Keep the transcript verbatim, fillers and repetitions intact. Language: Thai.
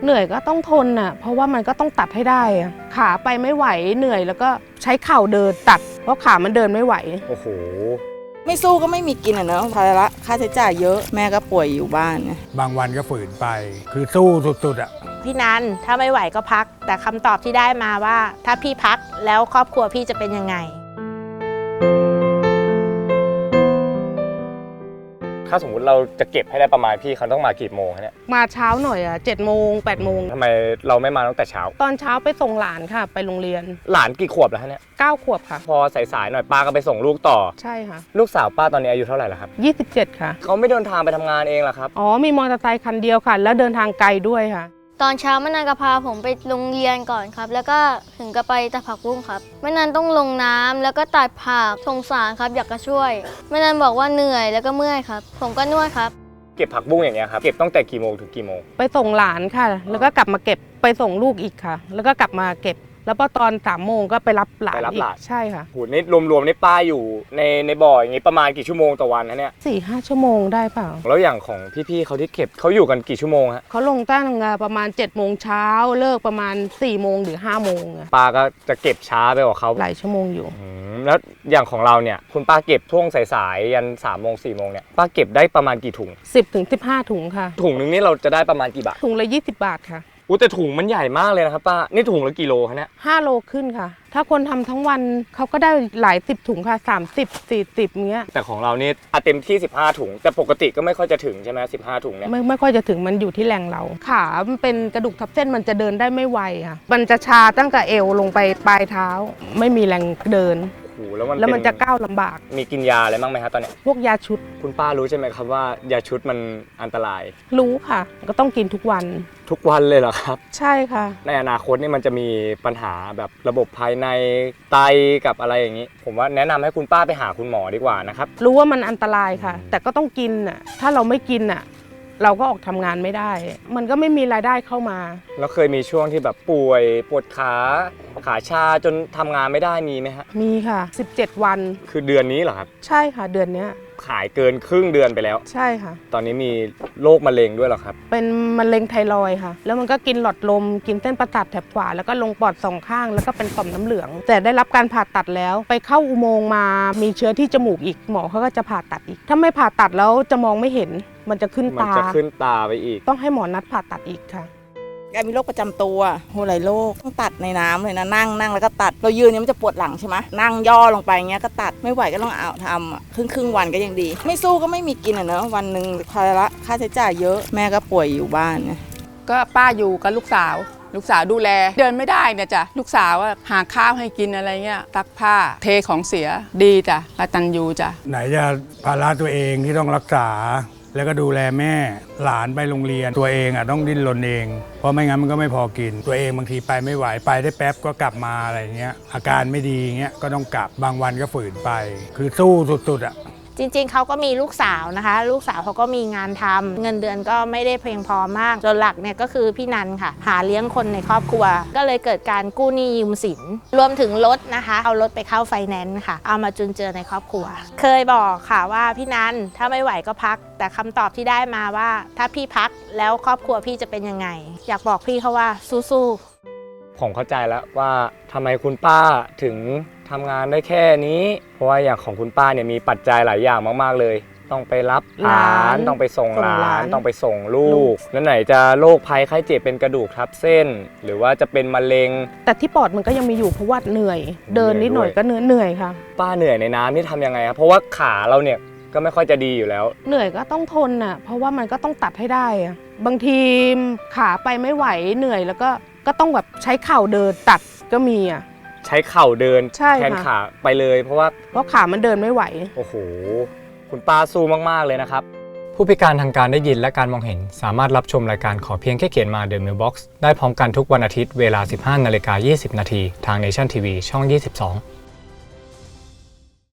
เหนื่อยก็ต้องทนอ่ะเพราะว่ามันก็ต้องตัดให้ได้อ่ะขาไปไม่ไหวเหนื่อยแล้วก็ใช้เข่าเดินตัดเพราะขามันเดินไม่ไหวโอ้โหไม่สู้ก็ไม่มีกินอ่ะเนอะภาระค่าใช้จ่ายเยอะแม่ก็ป่วยอยู่บ้านไงบางวันก็ฝืนไปคือสู้สุดๆอ่ะพี่นันถ้าไม่ไหวก็พักแต่คำตอบที่ได้มาว่าถ้าพี่พักแล้วครอบครัวพี่จะเป็นยังไงถ้าสมมติเราจะเก็บให้ได้ประมาณพี่เขาต้องมากี่โมงเนี่ยมาเช้าหน่อยอ่ะเจ็ดโมงแปดโมงทำไมเราไม่มาตั้งแต่เช้าตอนเช้าไปส่งหลานค่ะไปโรงเรียนหลานกี่ขวบแล้วฮะเนี่ยเก้าขวบค่ะพอสายๆหน่อยป้าก็ไปส่งลูกต่อใช่ค่ะลูกสาวป้าตอนนี้อายุเท่าไหร่แล้วครับยี่สิบเจ็ดค่ะเขาไม่เดินทางไปทำงานเองหรอครับอ๋อมีมอเตอร์ไซค์คันเดียวค่ะแล้วเดินทางไกลด้วยค่ะตอนเช้าแม่นันก็พาผมไปโรงเรียนก่อนครับแล้วก็ถึงก็ไปตัดผักบุ้งครับแม่นันต้องลงน้ำแล้วก็ตัดผักสงสารครับอยากจะช่วยแม่นันบอกว่าเหนื่อยแล้วก็เมื่อยครับผมก็นวดครับเก็บผักบุ้งอย่างเงี้ยครับเก็บตั้งแต่กี่โมงถึงกี่โมงไปส่งหลานค่ะแล้วก็กลับมาเก็บไปส่งลูกอีกค่ะแล้วก็กลับมาเก็บแล้วพอตอนสามโมงก็ไปรับหลานอีกใช่ค่ะโหนี่รวมๆนี่ป้าอยู่ในในบ่ออย่างงี้ประมาณกี่ชั่วโมงต่อวันนะเนี่ยสี่ห้าชั่วโมงได้เปล่าแล้วอย่างของพี่ๆเขาที่เก็บเขาอยู่กันกี่ชั่วโมงฮะเขาลงตั้งประมาณเจ็ดโมงเช้าเลิกประมาณสี่โมงหรือห้าโมงป้าก็จะเก็บช้าไปกว่าเขาหลายชั่วโมงอยู่แล้วอย่างของเราเนี่ยคุณป้าเก็บช่วงสายๆยันสามโมงสี่โมงเนี่ยป้าเก็บได้ประมาณกี่ถุงสิบถึงสิบห้าถุงค่ะถุงนึงนี่เราจะได้ประมาณกี่บาทถุงละยี่สิบบาทค่ะอู้แต่ถุงมันใหญ่มากเลยนะครับป้านี่ถุงละกี่โลคะเนี่ยห้าโลขึ้นค่ะถ้าคนทำทั้งวันเขาก็ได้หลายสิบถุงค่ะสามสิบ สี่สิบเงี้ยแต่ของเรานี่เต็มที่สิบห้าถุงแต่ปกติก็ไม่ค่อยจะถึงใช่ไหมสิบห้าถุงเนี่ยไม่ไม่ค่อยจะถึงมันอยู่ที่แรงเราขามันเป็นกระดูกทับเส้นมันจะเดินได้ไม่ไวค่ะมันจะชาตั้งแต่เอวลงไปปลายเท้าไม่มีแรงเดินแล้วมันแล้วมันจะก้าวลำบากมีกินยาอะไรบ้างไหมครับตอนนี้พวกยาชุดคุณป้ารู้ใช่ไหมครับว่ายาชุดมันอันตรายรู้ค่ะก็ต้องกินทุกวันทุกวันเลยเหรอครับใช่ค่ะในอนาคตนี่มันจะมีปัญหาแบบระบบภายในไตกับอะไรอย่างนี้ผมว่าแนะนำให้คุณป้าไปหาคุณหมอดีกว่านะครับรู้ว่ามันอันตรายค่ะแต่ก็ต้องกินอ่ะถ้าเราไม่กินอ่ะเราก็ออกทำงานไม่ได้มันก็ไม่มีรายได้เข้ามาแล้วเคยมีช่วงที่แบบป่วยปวดขาขาชาจนทำงานไม่ได้มีไหมฮะมีค่ะสิบเจ็ดวันคือเดือนนี้เหรอครับใช่ค่ะเดือนนี้ขายเกินครึ่งเดือนไปแล้วใช่ค่ะตอนนี้มีโรคมะเร็งด้วยเหรอครับเป็นมะเร็งไทรอยด์ค่ะแล้วมันก็กินหลอดลมกินเส้นประสาทแถบขวาแล้วก็ลงปอดสองข้างแล้วก็เป็นต่อมน้ำเหลืองแต่ได้รับการผ่าตัดแล้วไปเข้าอุโมงค์มามีเชื้อที่จมูกอีกหมอเขาก็จะผ่าตัดอีกถ้าไม่ผ่าตัดแล้วจะมองไม่เห็นมันจะขึ้นตามันจะขึ้นตาไปอีกต้องให้หมอนัดผ่าตัดอีกค่ะแกมีโรคประจำตัวโหหลายโรคต้องตัดในน้ำเลยนะนั่งนั่งแล้วก็ตัดเรายืนเนี่ยมันจะปวดหลังใช่ไหมนั่งย่อลงไปเงี้ยก็ตัดไม่ไหวก็ต้องเอาทำครึ่งครึ่งวันก็ยังดีไม่สู้ก็ไม่มีกินอ่ะเนอะวันหนึ่งภาระค่าใช้จ่ายเยอะแม่ก็ป่วยอยู่บ้านไงก็ป้าอยู่กับลูกสาวลูกสาวดูแลเดินไม่ได้เนี่ยจ้ะลูกสาวหาข้าวให้กินอะไรเงี้ยซักผ้าเทของเสียดีจ้ะกตัญญูจ้ะไหนจะภาระตัวเองที่ต้องรักษาแล้วก็ดูแลแม่หลานไปโรงเรียนตัวเองอ่ะต้องดิ้นรนเองเพราะไม่งั้นมันก็ไม่พอกินตัวเองบางทีไปไม่ไหวไปได้แป๊บก็กลับมาอะไรเงี้ยอาการไม่ดีเงี้ยก็ต้องกลับบางวันก็ฝืนไปคือสู้สุดๆอ่ะจริงๆเขาก็มีลูกสาวนะคะลูกสาวเขาก็มีงานทำเงินเดือนก็ไม่ได้เพียงพอมากจนหลักเนี่ยก็คือพี่นันค่ะหาเลี้ยงคนในครอบครัวก็เลยเกิดการกู้หนี้ยืมสินรวมถึงรถนะคะเอารถไปเข้าไฟแนนซ์ค่ะเอามาจุนเจือในครอบครัวเคยบอกค่ะว่าพี่นันถ้าไม่ไหวก็พักแต่คำตอบที่ได้มาว่าถ้าพี่พักแล้วครอบครัวพี่จะเป็นยังไงอยากบอกพี่เขาว่าสู้ๆผมเข้าใจแล้วว่าทำไมคุณป้าถึงทำงานได้แค่นี้เพราะว่าอย่างของคุณป้าเนี่ยมีปัจจัยหลายอย่างมากๆเลยต้องไปรับหลานต้องไปส่งหลานต้องไปส่งลูกแล้วไหนจะโรคภัยไข้เจ็บเป็นกระดูกทับเส้นหรือว่าจะเป็นมะเร็งแต่ที่ปอดมันก็ยังมีอยู่เพราะว่าเหนื่อยเดินนิดหน่อยก็เหนื่อยเหนื่อยค่ะป้าเหนื่อยในน้ำนี่ทำยังไงครับเพราะว่าขาเราเนี่ยก็ไม่ค่อยจะดีอยู่แล้วเหนื่อยก็ต้องทนอ่ะเพราะว่ามันก็ต้องตัดให้ได้อ่ะบางทีขาไปไม่ไหวเหนื่อยแล้วก็ก็ต้องแบบใช้เข่าเดินตัดก็มีอ่ะใช้เข่าเดินแทนขาไปเลยเพราะว่าเพราะขามันเดินไม่ไหวโอ้โหคุณป้าสู้มากๆเลยนะครับผู้พิการทางการได้ยินและการมองเห็นสามารถรับชมรายการขอเพียงแค่เขียนมา The Mailbox ได้พร้อมกันทุกวันอาทิตย์เวลา สิบห้านาฬิกายี่สิบนาทีทาง Nation ที วี ช่องยี่สิบสอง